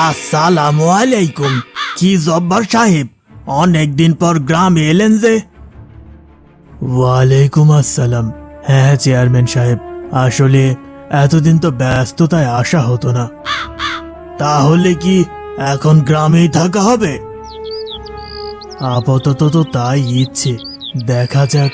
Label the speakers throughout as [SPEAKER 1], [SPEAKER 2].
[SPEAKER 1] আসসালামু আলাইকুম। কি জব্বার সাহেব, অনেকদিন পর গ্রামে এলেন যে? ওয়ালাইকুম আসসালাম। হ্যাঁ চেয়ারম্যান সাহেব, আসলে এতদিন তো ব্যস্ততায় আসা হতো না। তাহলে কি এখন গ্রামেই থাকা হবে? আপাতত তো তাই ইচ্ছে, দেখা যাক।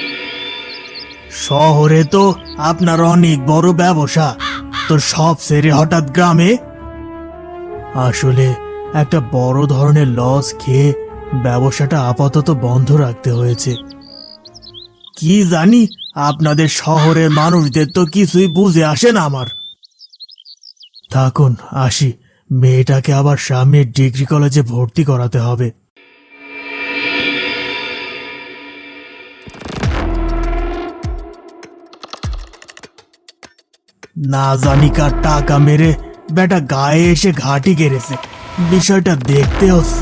[SPEAKER 1] শহরে তো আপনার অনেক বড় ব্যবসা, তো সব ছেড়ে হঠাৎ গ্রামে? আসলে একটা বড় ধরনের লস খেয়ে ব্যবসাটা আপাতত বন্ধ রাখতে হয়েছে। কি জানি, আপনাদের শহরের মানুষদের তো কিছুই বুঝে আসে না আমার। থাকুন, আসি। মেয়েটাকে আবার সামনের ডিগ্রি কলেজে ভর্তি করাতে হবে। না জানি কার টাকা মেরে বেটা গায়ে এসে ঘাঁটি গেড়েছে, বিষয়টা দেখতে হচ্ছে।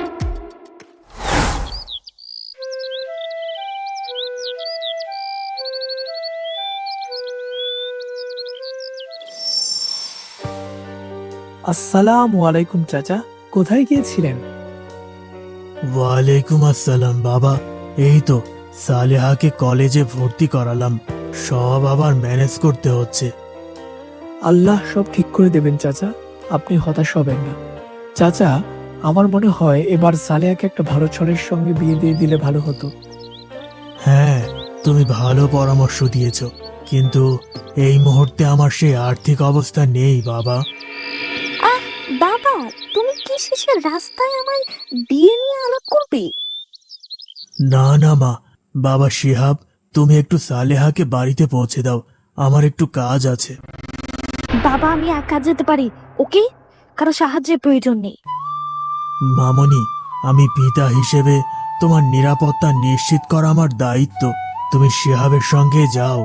[SPEAKER 2] আসসালামু আলাইকুম চাচা, কোথায় গিয়েছিলেন?
[SPEAKER 1] ওয়ালাইকুম আসসালাম বাবা। এই তো সালেহাকে কলেজে ভর্তি করালাম, সব আবার ম্যানেজ করতে হচ্ছে।
[SPEAKER 2] আল্লাহ সব ঠিক করে দেবেন চাচা, আপনি হতাশ হবেন না। চাচা, আমার মনে হয় এবার সালেহাকে একটা ভালো ছেলের সঙ্গে বিয়ে দিয়ে দিলে ভালো হতো।
[SPEAKER 1] হ্যাঁ, তুমি ভালো পরামর্শ দিয়েছ, কিন্তু এই মুহূর্তে আমার সেই আর্থিক অবস্থা নেই বাবা।
[SPEAKER 3] আহ বাবা, তুমি কি শেষের রাস্তায় আমায় বিয়ে নিয়ে আলাপ করবে?
[SPEAKER 1] না না মা, বাবা শিহাব, তুমি একটু সালেহাকে বাড়িতে পৌঁছে দাও, আমার একটু কাজ আছে।
[SPEAKER 3] বাবা, আমি একা যেতে পারি, ওকে? কারো সাহায্যের প্রয়োজন নেই।
[SPEAKER 1] মামনি, আমি পিতা হিসেবে তোমার নিরাপত্তা নিশ্চিত করা আমার দায়িত্ব। তুমি শিহাবের সঙ্গে যাও।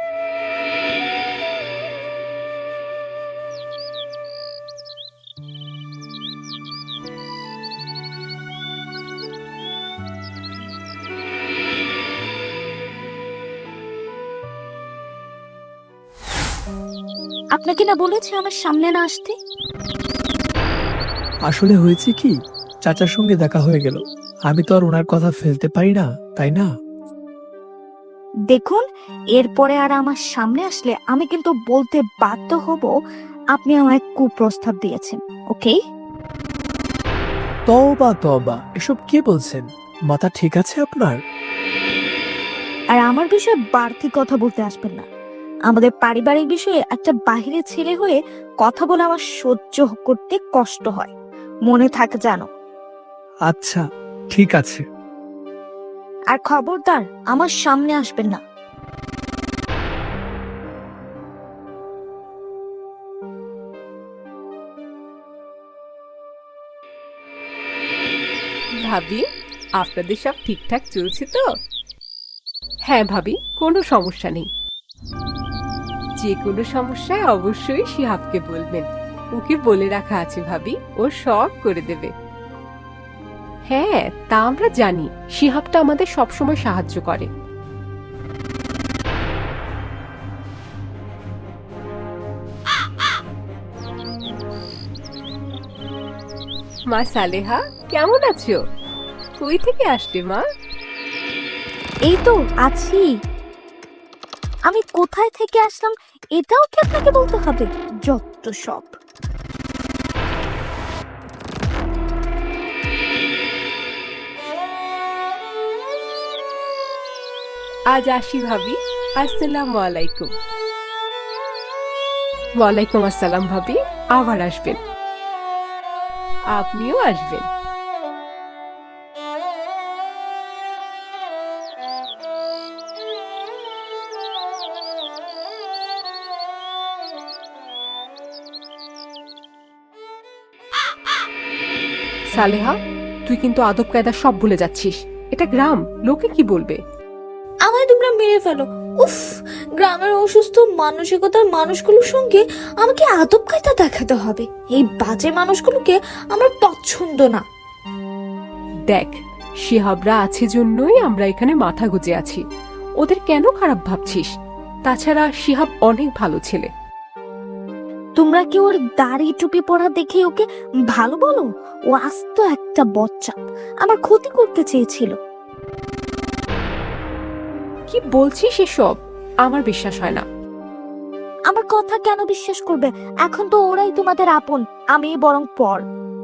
[SPEAKER 3] আপনাকে না বলেছি আমার সামনে না আসতে?
[SPEAKER 2] আসলে হয়েছে কি, চাচার সঙ্গে দেখা হয়ে গেল, আমি তো আর ওনার কথা ফেলতে পারি না, তাই না?
[SPEAKER 3] দেখুন, এরপরে আর আমার সামনে আসলে আমি কিন্তু বলতে বাধ্য হব আপনি আমায় কুপ্রস্তাব দিয়েছেন, ওকে?
[SPEAKER 2] তওবা তওবা, এসব কি বলছেন? মাথা ঠিক আছে আপনার?
[SPEAKER 3] আর আমার বিষয়ে বাড়তি কথা বলতে আসবেন না। আমাদের পারিবারিক বিষয়ে একটা বাহিরে ছেলে হয়ে কথা বলে আমার সহ্য করতে কষ্ট হয়, মনে থাকে জানো?
[SPEAKER 2] আচ্ছা, ঠিক আছে।
[SPEAKER 3] আর খবরদার আমার সামনে আসবেন না।
[SPEAKER 4] ভাবি, আপনাদের সব ঠিকঠাক চলছে তো? হ্যাঁ ভাবি, কোনো সমস্যা নেই। যে কোনো সমস্যায় অবশ্যই শিহাবকে বলবেন, ওকে বলে রাখা আছে ভাবি, ও সব করে দেবে। হ্যাঁ, তা আমরা জানি, শিহাবটা আমাদের সবসময় সাহায্য করে। মা সালেহা, কেমন আছো? কই থেকে আসলে মা?
[SPEAKER 3] এই তো আছি। আমি কোথায় থেকে আসলাম এটাও কি আপনাকে বলতে হবে? যত সব।
[SPEAKER 4] আজ আসি ভাবি। আসসালামু আলাইকুম। ওয়ালাইকুম আসসালাম ভাবি, আবার আসবেন। আপনিও আসবেন। সালেহা, তুই কিন্তু আদব কায়দা সব ভুলে যাচ্ছিস। এটা গ্রাম, লোকে কি বলবে?
[SPEAKER 5] আমায় তোমরা মেরে ফেলো। উফ, গ্রামের অসুস্থ মানসিকতার মানুষগুলোর সঙ্গে আমাকে আদব কায়দা দেখাতে হবে। এই বাজে মানুষগুলোকে আমার পছন্দ না।
[SPEAKER 4] দেখ, শিহাবরা আছে জন্যই আমরা এখানে মাথা গুজে আছি। ওদের কেন খারাপ ভাবছিস? তাছাড়া শিহাব অনেক ভালো ছেলে।
[SPEAKER 3] তোমরা কি ওর দাড়ি টুপি পরা দেখে ওকে ভালো বলো? ও আস্ত একটা বচ্চা, আমার ক্ষতি করতে চেয়েছিল।
[SPEAKER 4] কি বলছিস এসব? আমার বিশ্বাস হয় না।
[SPEAKER 3] আমার কথা কেন বিশ্বাস করবে? এখন তো ওরাই তোমাদের আপন, আমি বরং পর।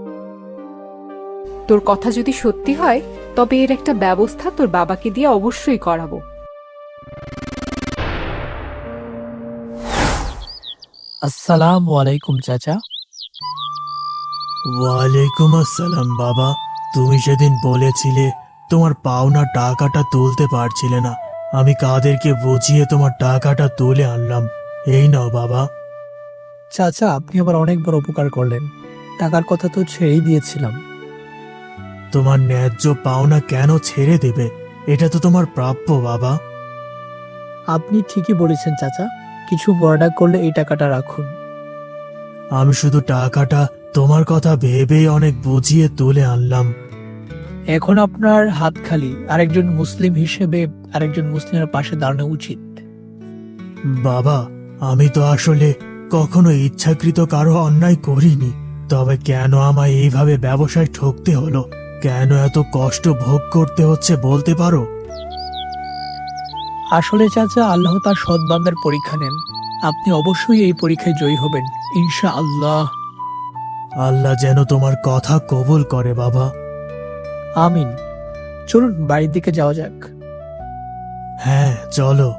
[SPEAKER 4] তোর কথা যদি সত্যি হয় তবে এর একটা ব্যবস্থা তোর বাবাকে দিয়ে অবশ্যই করাবো।
[SPEAKER 2] আসসালামু আলাইকুম চাচা।
[SPEAKER 1] ওয়ালাইকুম আসসালাম বাবা। তুমি সেদিন বলেছিলে তোমার পাওনা টাকাটা তুলতে পারছিলে না, আমি কাদেরকে বুঝিয়ে তোমার টাকাটা তুলে আনলাম। এই নাও বাবা।
[SPEAKER 2] চাচা, আপনি আবার অনেক বড় উপকার করলেন। টাকার কথা তো ছেড়েই দিয়েছিলাম।
[SPEAKER 1] তোমার ন্যায্য পাওনা কেন ছেড়ে দেবে? এটা তো তোমার প্রাপ্য বাবা।
[SPEAKER 2] আপনি ঠিকই বলেছেন চাচা, কিছু বর্ডা করলে এই টাকাটা রাখুন।
[SPEAKER 1] আমি শুধু টাকাটা তোমার কথা ভেবেই অনেক বুঝিয়ে তুলে আনলাম।
[SPEAKER 2] এখন আপনার হাত খালি, আরেকজন মুসলিম হিসেবে আরেকজন মুসলিমের পাশে দাঁড়ানো উচিত।
[SPEAKER 1] বাবা, আমি তো আসলে কখনো ইচ্ছাকৃত কারো অন্যায় করিনি, তবে কেন আমায় এইভাবে ব্যবসায় ঠকতে হলো? কেন এত কষ্ট ভোগ করতে হচ্ছে বলতে পারো?
[SPEAKER 2] আসলে চাচা, আল্লাহ তার সৎ বান্দার পরীক্ষা নেন। আপনি অবশ্যই এই পরীক্ষায় জয়ী হবেন, ইনশাআল্লাহ।
[SPEAKER 1] আল্লাহ যেন তোমার কথা কবুল করে বাবা।
[SPEAKER 2] আমিন। চলুন বাড়ির দিকে যাওয়া যাক।
[SPEAKER 1] হ্যাঁ, চলো।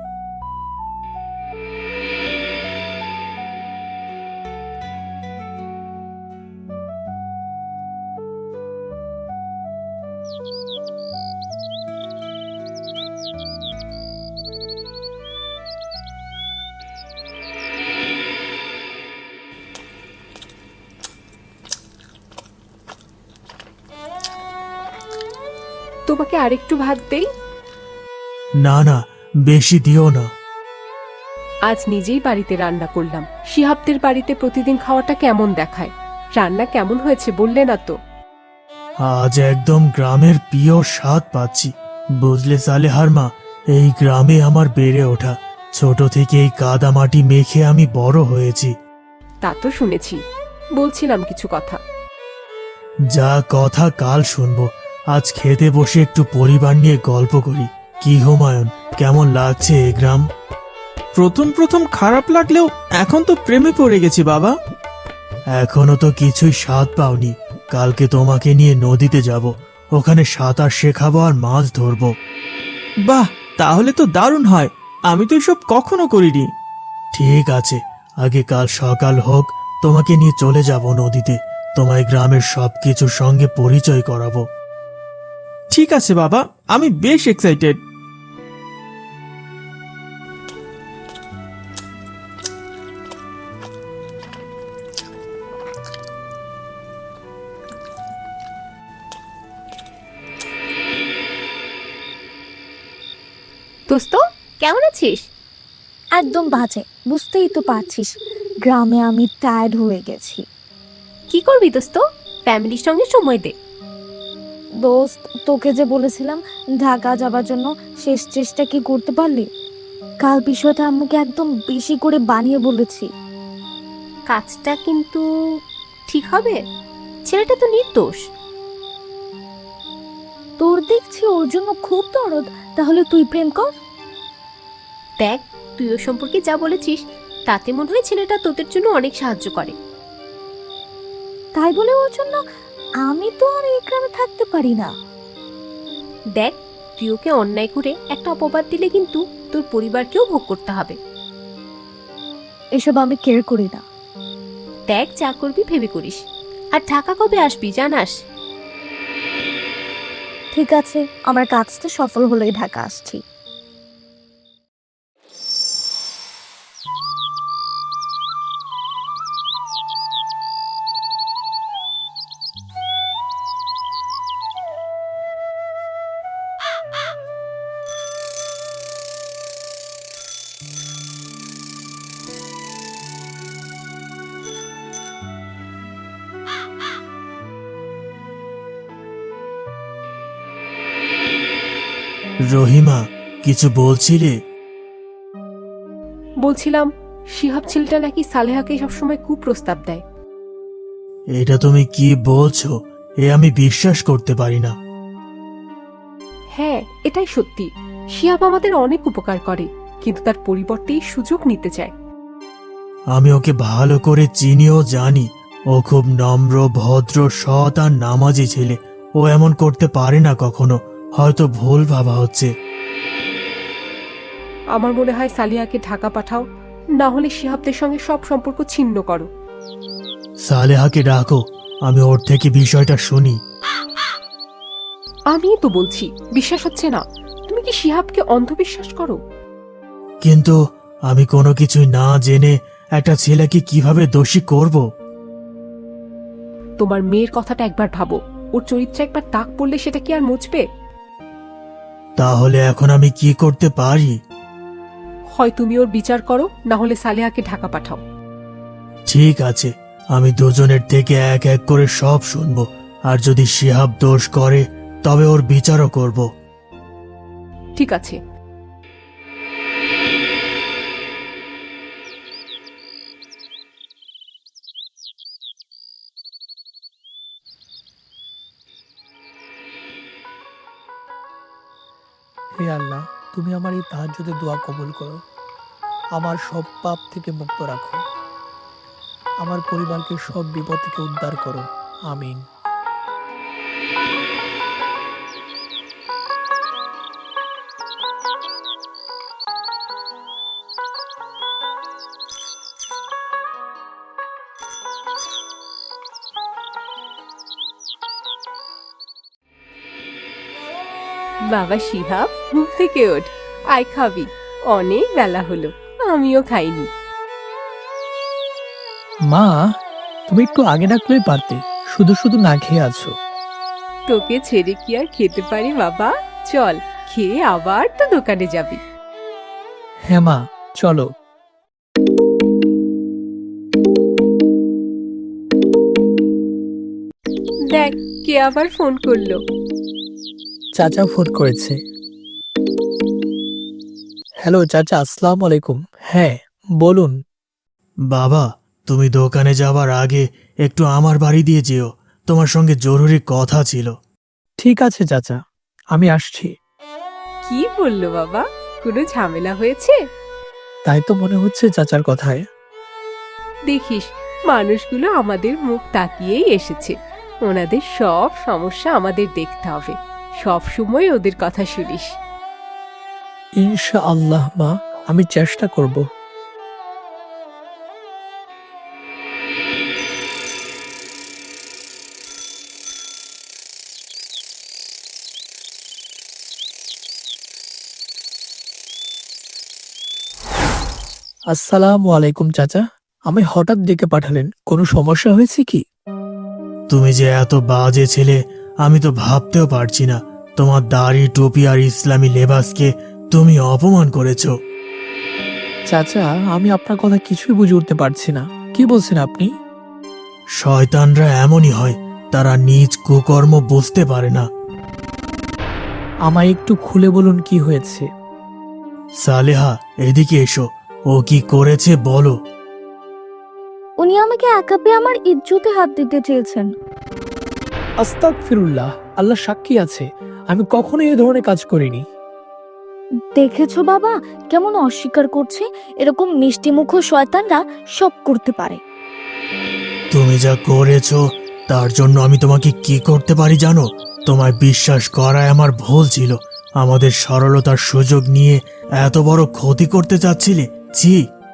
[SPEAKER 4] তোমাকে আরেকটু ভাত দেই?
[SPEAKER 1] না না, বেশি দিও না।
[SPEAKER 4] আজ নিজেই বাড়িতে রান্না করলাম। শিহাবদের বাড়িতে প্রতিদিন খাওয়াটা কেমন দেখায়? রান্না কেমন হয়েছে বললে না তো?
[SPEAKER 1] আজ একদম গ্রামের পিওর স্বাদ পাচ্ছি। বুঝলে সালেহার মা, এই গ্রামে আমার বেড়ে ওঠা, ছোট থেকে এই কাদা মাটি মেখে আমি বড় হয়েছি।
[SPEAKER 4] তা তো শুনেছি, বলছিলাম কিছু কথা।
[SPEAKER 1] যা কথা কাল শুনবো, আজ খেতে বসে একটু পরিবার নিয়ে গল্প করি। কি হুমায়ুন, কেমন লাগছে এই গ্রাম?
[SPEAKER 6] প্রথম প্রথম খারাপ লাগলেও এখন তো প্রেমে পড়ে গেছি বাবা।
[SPEAKER 1] এখনো তো কিছুই স্বাদ পাওনি। কালকে তোমাকে নিয়ে নদীতে যাব, ওখানে সাঁতার শেখাবো আর মাছ ধরবো।
[SPEAKER 6] বাহ, তাহলে তো দারুণ হয়। আমি তো এসব কখনো করিনি।
[SPEAKER 1] ঠিক আছে, আগে কাল সকাল হোক, তোমাকে নিয়ে চলে যাব নদীতে। তোমায় গ্রামের সবকিছুর সঙ্গে পরিচয় করাবো।
[SPEAKER 6] ঠিক আছে বাবা, আমি বেশ এক্সাইটেড।
[SPEAKER 4] দোস্ত, কেমন আছিস?
[SPEAKER 3] একদম বাজে, বুঝতেই তো পারছিস। গ্রামে আমি টায়ার্ড হয়ে গেছি।
[SPEAKER 4] কি করবি দোস্ত? ফ্যামিলির সঙ্গে সময় দে।
[SPEAKER 3] দোস্ত, তোকে যে বলেছিলাম ঢাকা যাবার জন্য, শেষ চেষ্টা কি করতে পারলি? কাল বিষয়টা আম্মুকে একদম বেশি করে বানিয়ে বলেছি।
[SPEAKER 4] কাজটা কিন্তু ঠিক হবে? ছেলেটা তো নির্দোষ।
[SPEAKER 3] তোর দেখছি ওর জন্য খুব দরদ, তাহলে তুই প্রেম কর।
[SPEAKER 4] দেখ, তুই ওর সম্পর্কে যা বলেছিস তাতে মনে হয় ছেলেটা তোদের জন্য অনেক সাহায্য করে।
[SPEAKER 3] তাই বলে ওর জন্য আমি তো আর এই গ্রামে থাকতে পারি না।
[SPEAKER 4] দেখ, তুই ওকে অন্যায় করে একটা অপবাদ দিলে কিন্তু তোর পরিবারকেও ভোগ করতে হবে।
[SPEAKER 3] এসব আমি কেয়ার করি না।
[SPEAKER 4] দেখ, যা করবি ভেবে করিস। আর ঢাকা কবে আসবি জানাস?
[SPEAKER 3] ঠিক আছে, আমার কাজটা সফল হলেই ঢাকা আসছি।
[SPEAKER 1] রহিমা, কিছু বলছিলে?
[SPEAKER 4] বলছিলাম, শিহাব ছেলেটা নাকি সালেহাকে সবসময় কুপ্রস্তাব দেয়।
[SPEAKER 1] এটা তুমি কি বলছো? এ আমি বিশ্বাস করতে পারি না।
[SPEAKER 4] হ্যাঁ, এটাই সত্যি। শিহাব আমাদের অনেক উপকার করে, কিন্তু তার পরিবর্তে এই সুযোগ নিতে চায়।
[SPEAKER 1] আমি ওকে ভালো করে চিনিও জানি। ও খুব নম্র, ভদ্র, সৎ আর নামাজি ছেলে। ও এমন করতে পারে না কখনো। হয়তো ভুল ভাবা হচ্ছে।
[SPEAKER 4] আমার মনে হয় সালিয়াকে ঢাকা পাঠাও, না হলে শিহাবদের সঙ্গে সব সম্পর্ক ছিন্ন করো।
[SPEAKER 1] সালেহাকে ডাকো, আমি ওর থেকে বিষয়টা শুনি।
[SPEAKER 4] আমিই তো বলছি, বিশ্বাস হচ্ছে না। তুমি কি শিহাবকে অন্ধবিশ্বাস করো?
[SPEAKER 1] কিন্তু আমি কোনো কিছুই না জেনে একটা ছেলেকে কিভাবে দোষী করব?
[SPEAKER 4] তোমার মেয়ের কথাটা একবার ভাবো। ওর চরিত্রে একবার দাগ পড়লে সেটা কি আর মুছবে?
[SPEAKER 1] তাহলে এখন আমি কি করতে পারি?
[SPEAKER 4] হয় তুমি ওর বিচার করো, না হলে সালেহাকে ঢাকা পাঠাও।
[SPEAKER 1] ঠিক আছে, আমি দুজনের থেকে এক এক করে সব শুনবো। আর যদি শিহাব দোষ করে তবে ওর বিচারও করব।
[SPEAKER 4] ঠিক আছে।
[SPEAKER 2] হে আল্লাহ, তুমি আমার এই তাহাজ্জুদের দোয়া কবুল করো। আমার সব পাপ থেকে মুক্ত রাখো। আমার পরিবারকে সব বিপদ থেকে উদ্ধার করো। আমিন।
[SPEAKER 4] বাবা শিহাব, ঘুম থেকে ওঠ, আয় খাবি। অনেক বেলা হলো, আমিও খাইনি।
[SPEAKER 2] মা, তুমি একটু আগে ডাকলেই পারতে, শুধু শুধু না খেয়ে আছো।
[SPEAKER 4] তোকে ছেড়ে কি আর খেতে পারি বাবা? চল, খেয়ে আবার তো দোকানে যাবি।
[SPEAKER 2] হ্যাঁ মা, চলো।
[SPEAKER 4] দেখ, কে আবার ফোন করলো।
[SPEAKER 2] চাচা ফোন করেছে। হ্যালো চাচা, আসসালামু আলাইকুম। হ্যাঁ, বলুন।
[SPEAKER 1] বাবা, তুমি দোকানে যাওয়ার আগে একটু আমার বাড়ি দিয়ে যেও। তোমার সঙ্গে জরুরি কথা ছিল।
[SPEAKER 2] ঠিক আছে চাচা, আমি আসছি।
[SPEAKER 4] কি বললো বাবা? কোনো ঝামেলা হয়েছে?
[SPEAKER 2] তাই তো মনে হচ্ছে চাচার কথায়।
[SPEAKER 4] দেখিস, মানুষগুলো আমাদের মুখ তাকিয়েই এসেছে। ওনাদের সব সমস্যা আমাদের দেখতে হবে। সব সময় ওদের কথা শুনিস।
[SPEAKER 2] ইনশাআল্লাহ মা, আমি চেষ্টা করব। আসসালামু আলাইকুম চাচা, আমি হঠাৎ ডেকে পাঠালেন, কোনো সমস্যা হয়েছে কি?
[SPEAKER 1] তুমি যে এত বাজে ছেলে আমি তো ভাবতেও পারছি না। তোমার দাড়ি, টুপি আর ইসলামী লেবাসকে তুমি অপমান করেছো।
[SPEAKER 2] চাচা, আমি আপনার কথা কিছুই বুঝে উঠতে পারছি না। কি বলছেন আপনি?
[SPEAKER 1] শয়তানরা এমনই হয়, তারা নিজ কুকর্ম বুঝতে পারে না।
[SPEAKER 2] আমায় একটু খুলে বলুন কি হয়েছে।
[SPEAKER 1] সালেহা, এদিকে এসো। ও কি করেছে বলো।
[SPEAKER 3] উনি আমাকে একা পেয়ে আমার ইজ্জতে হাত দিতে চেয়েছেন।
[SPEAKER 2] আস্তাগফিরুল্লাহ, আল্লাহ সাক্ষী আছে, আমি কখনো এই ধরনের কাজ করিনি।
[SPEAKER 3] দেখেছো বাবা, কেমন অস্বীকার করছে? এরকম মিষ্টি মুখ শয়তানরা সব করতে পারে।
[SPEAKER 1] তুমি যা করেছো তার জন্য আমি তোমাকে কি করতে পারি জানো? তোমায় বিশ্বাস করায় আমার ভুল ছিল। আমাদের সরলতার সুযোগ নিয়ে এত বড় ক্ষতি করতে চাচ্ছিলে। ছি।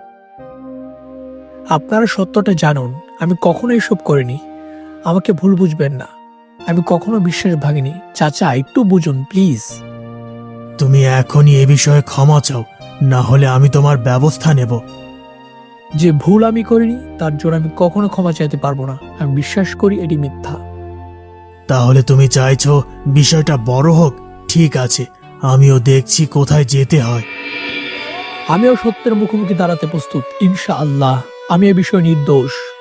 [SPEAKER 2] আপনারা সত্যটা জানুন, আমি কখনো এসব করিনি। আমাকে ভুল বুঝবেন না, আমি কখনো বিশ্বাস ভাঙিনি। চাচা, একটু বুঝুন প্লিজ।
[SPEAKER 1] তুমি এখনই এ বিষয়ে ক্ষমা চাও, না হলে আমি তোমার ব্যবস্থা নেব।
[SPEAKER 2] যে ভুল আমি করিনি তার জন্য আমি কখনো ক্ষমা চাইতে পারবো না। আমি বিশ্বাস করি এটি মিথ্যা।
[SPEAKER 1] তাহলে তুমি চাইছো বিষয়টা বড় হোক? ঠিক আছে, আমিও দেখছি কোথায় যেতে হয়।
[SPEAKER 2] আমিও সত্যের মুখোমুখি দাঁড়াতে প্রস্তুত ইনশাআল্লাহ। আমি এ বিষয়ে নির্দোষ।